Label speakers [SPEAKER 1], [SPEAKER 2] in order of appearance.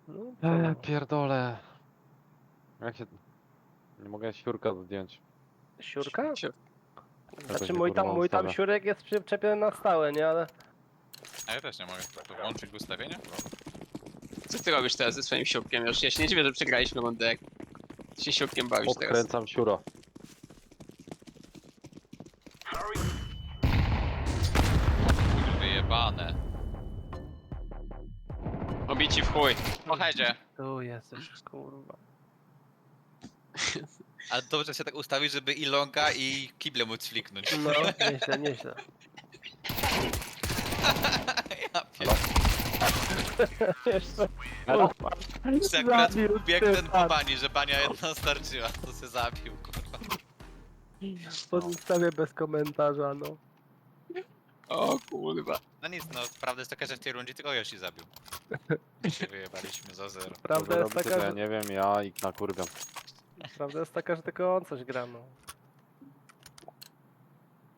[SPEAKER 1] No, co no.
[SPEAKER 2] Pierdolę. Jak się... Nie mogę siurka zdjąć.
[SPEAKER 1] Siurka?
[SPEAKER 3] Siur-
[SPEAKER 1] Znaczy
[SPEAKER 2] mnie,
[SPEAKER 1] mój tam,
[SPEAKER 2] kurwa,
[SPEAKER 1] mój tam
[SPEAKER 2] ustawia.
[SPEAKER 1] siurek jest przyczepiony na stałe, nie? Ale
[SPEAKER 4] A ja też nie mogę. To włączyć w ustawienia?
[SPEAKER 3] Co ty robisz teraz ze swoim siurkiem już? Ja się nie dziwię, że przegraliśmy rundę, jak ty się siurkiem bawisz teraz.
[SPEAKER 2] Odkręcam siuro.
[SPEAKER 4] Wyjebane.
[SPEAKER 3] Obici w chuj.
[SPEAKER 4] Po headzie.
[SPEAKER 1] tu jesteś, kurwa.
[SPEAKER 4] Ale dobrze się tak ustawić, żeby i longa i kible móc fliknąć.
[SPEAKER 1] No, nieźle, nieźle.
[SPEAKER 4] Ja pierdolę.
[SPEAKER 1] Jeszcze.
[SPEAKER 4] Że akurat
[SPEAKER 1] Zabił
[SPEAKER 4] biegł ten
[SPEAKER 1] typa.
[SPEAKER 4] po bani, że bania jedna starczyła, to się zabił, kurwa.
[SPEAKER 1] Pozostawię bez komentarza, no.
[SPEAKER 3] O kurwa.
[SPEAKER 4] No nic, no prawda jest taka, że w tej rundzie tylko Yoshi zabił. Się wyjebaliśmy za 0.
[SPEAKER 1] Prawda jest taka,
[SPEAKER 2] Ja
[SPEAKER 1] że,
[SPEAKER 2] nie wiem, ja ich na kurwę.
[SPEAKER 1] prawda jest taka, że tylko on coś gra, no.